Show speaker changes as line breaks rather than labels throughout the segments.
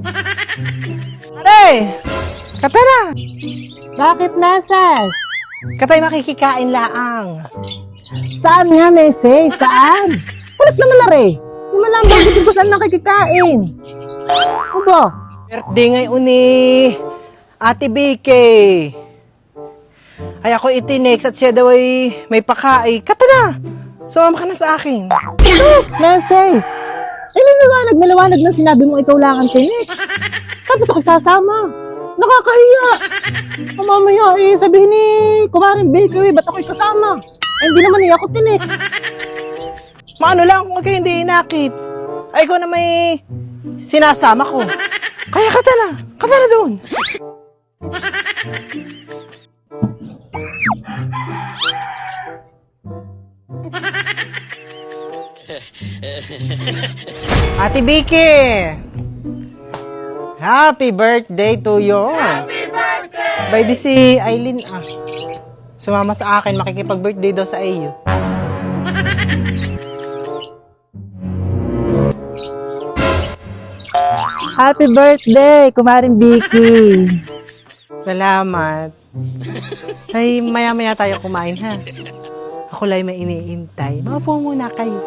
Aray! Katara!
Bakit nasas?
Katay makikikain laang.
Saan nga, Nese? Saan? Kulit naman na rin. Hindi mo lang bakit ko saan nakikikain. Ano ba?
Birthday ngayon ni Ate Vicky. Ay ako itinex at siya daw ay may pakain. Katara! Sumama ka na sa akin.
Nese? Naliwanag na sinabi mo ikaw lang ang tinik. Tapos ako sasama. Nakakahiya. Mamaya sabihin ni Kumaring Bakery, ba't ako'y kasama? Hindi naman ako tinik.
Maano lang kung kayo hindi inakit. Ay ikaw na may sinasama ko. Kaya katara doon. Ate Vicky! Happy birthday to you! Happy birthday! By the si Aileen sumama sa akin, makikipag-birthday daw sa iyo.
Happy birthday, Kumaring Vicky.
Salamat. Ay, maya-maya tayo kumain ha. Ako lang may iniintay. Maupo muna kayo.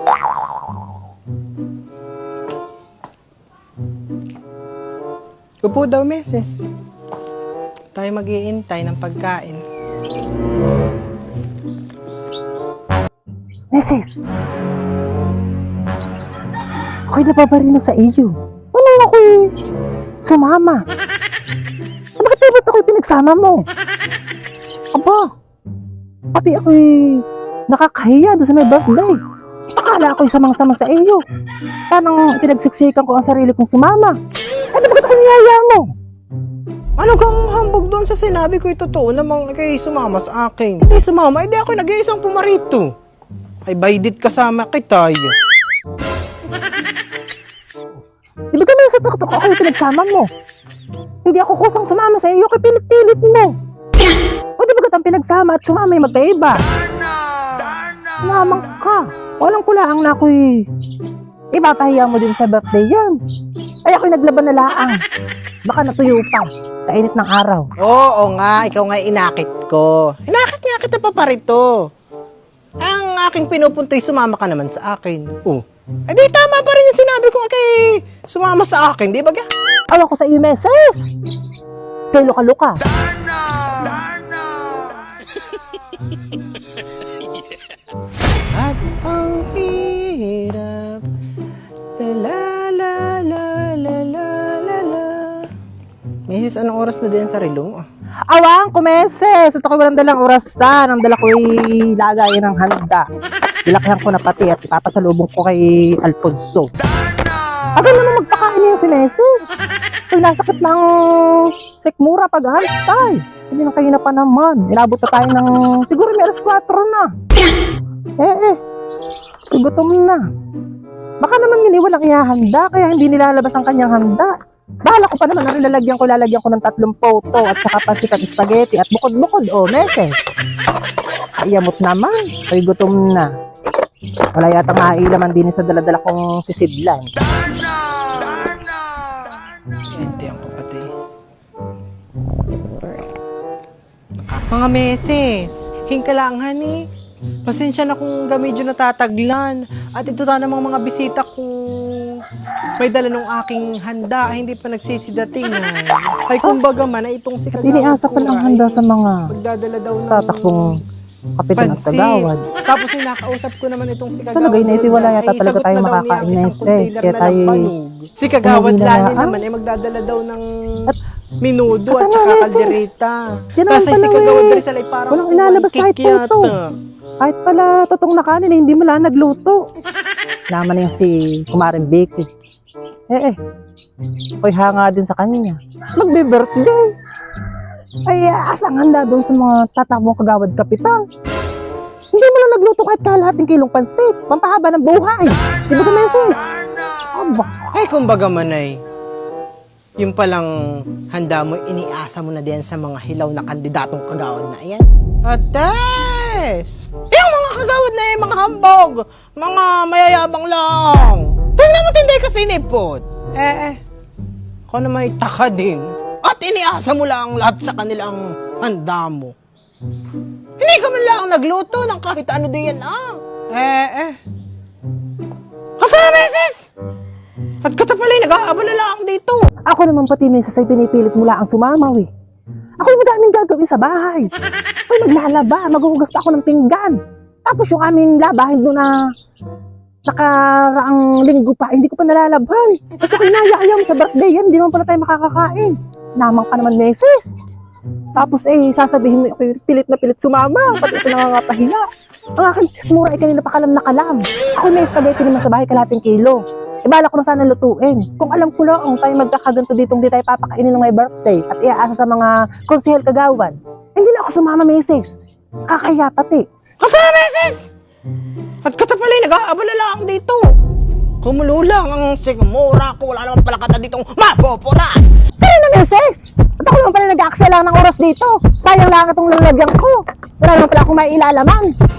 Upo daw, Mrs. Tayo mag-iintay ng pagkain.
Mrs. Ako'y napaparino sa iyo. Ano ako'y sumama? Bakit ba't ako'y pinagsama mo? Aba, pati ako'y nakakahiya doon sa may birthday. Akala ako'y samang-samang sa iyo. Parang pinagsiksikan ko ang sarili kong sumama. Ano bakit ako'y niyaya mo?
Ano kang hambog doon sa sinabi ko? Totoo namang kayo sumama sa akin. Hindi sumama, hindi ako nag-iisang pumarito. Ay, baydit kasama kita.
Di ba ganun sa tuktok ako yung pinagsama mo? Hindi ako kusang sumama sa iyo, kay pilit-pilit mo. O di ba ang pinagsama at sumama yung magkaiba? Sumamang ka. Walang kulaang na ako'y ipapahiya mo din sa birthday yan. Ay ako'y naglaban na laang. Baka natuyo pa. Kainit ng araw.
Oo nga, ikaw nga inakit ko. Inakit nga kita pa parito. Ang aking pinupunto'y sumama ka naman sa akin. Oh. Eh di tama pa rin yung sinabi ko kay sumama sa akin, di ba ga?
Awa ko sa iyo, meses. Kay luka-luka.
At ang hirap. La la la la la la la. Mrs., anong oras na din sa rilong?
Awang kumeses. At ako'y walang dalang orasan. Ang dala ko'y lagayin ng handa. Ilakihan ko na pati at ipapasalubong ko kay Alfonso. Agad naman magpakain yung sinesis. Ay, nasakit ng sikmura paghantay. Hindi na kayo na pa naman. Inabot na tayo ng siguro may alas 4 na. Gutom na. Baka naman hindi walang ihahanda kaya hindi nilalabas ang kanyang handa. Bahala ko pa naman ang lalagyan ko ng 3 photo at saka pansit at spaghetti at bukod-bukod meses. Iyamot naman. Ay gutom na. Wala yata mailaman din sa daladala kong sisidlan.
Hindi ang kapatid. Mga meses, hingka lang honey. Pasensya na kung medyo natataglan. At ito na namang mga bisita kung may dala ng aking handa ay hindi pa nagsisidating. Ay kumbaga man ay itong si
At iniasa pa lang handa sa mga
magdadala daw ng
tatakbong kapitan at kagawad.
Tapos ay nakausap ko naman itong si kagawad.
Sa lagay na ito wala yata talaga tayo makakain na ses. Kaya tayo
si kagawad lani naman ay magdadala daw ng minudo at saka kaldereta. Kasi si kagawad rin sila ay parang
walang inalabas kahit puto. Kahit pala totong na kanin hindi mo lang nagluto. Naman na yung si Kumaring Vicky. Ako'y hanga din sa kanya. Magbe-birthday. Ay, asang handa doon sa mga tatakbong kagawad kapitan. Hindi mo lang nagluto kahit kalahating kilong pansit. Pampahaba ng buhay. Di ba kumensis? Aba.
Ay, kumbaga man ay, yung palang handa mo, iniasa mo na din sa mga hilaw na kandidatong kagawad na yan. Ates! Yung mga kagawad na yan, mga hambog, mga mayayabang lang. Tingnan mo tinday kasi nipot. Ako na may taka din. At iniasa mo lang lahat sa kanilang handa mo. Hindi ka man lang nagluto ng kahit ano din Hata na, Meses! At ka tapalay, nag-aabala lang dito.
Ako naman pati minsan ay pinipilit mula ang sumamaw eh. Ako yung madaming gagawin sa bahay. Ako maglalaba, maghuhugas pa ako ng pinggan. Tapos yung aming labahin doon na nakaraang linggo pa, hindi ko pa nalalabhan. Kasi ako inaya-ayaw sa birthday yan, hindi naman pala tayo makakakain. Namang ka naman, Meses. Tapos sasabihin mo ako yung pilit na pilit sumama, pati ito nangangapahiya. Ang aking mura ay kanina pa kalam na kalam. Ako may spaghetti naman sa bahay, kalating kilo. Ibala ko na sana lutuin. Kung alam ko lang, tayo magkakaganto dito, hindi tayo papakainin ng may birthday at iaasa sa mga konsehel kagawan. Hindi na ako sumama, Meses. Kakaya pati.
Hata na, Meses! At ka tapalay, nag-aabala lang dito. Kumulo lang ang sigmura ko. Wala naman pala kata ditong mapopula.
Pero na, Meses! At ako naman pala nag-aaksaya lang ng oras dito. Sayang lang itong lalagyan ko. Wala naman pala akong may ilalaman.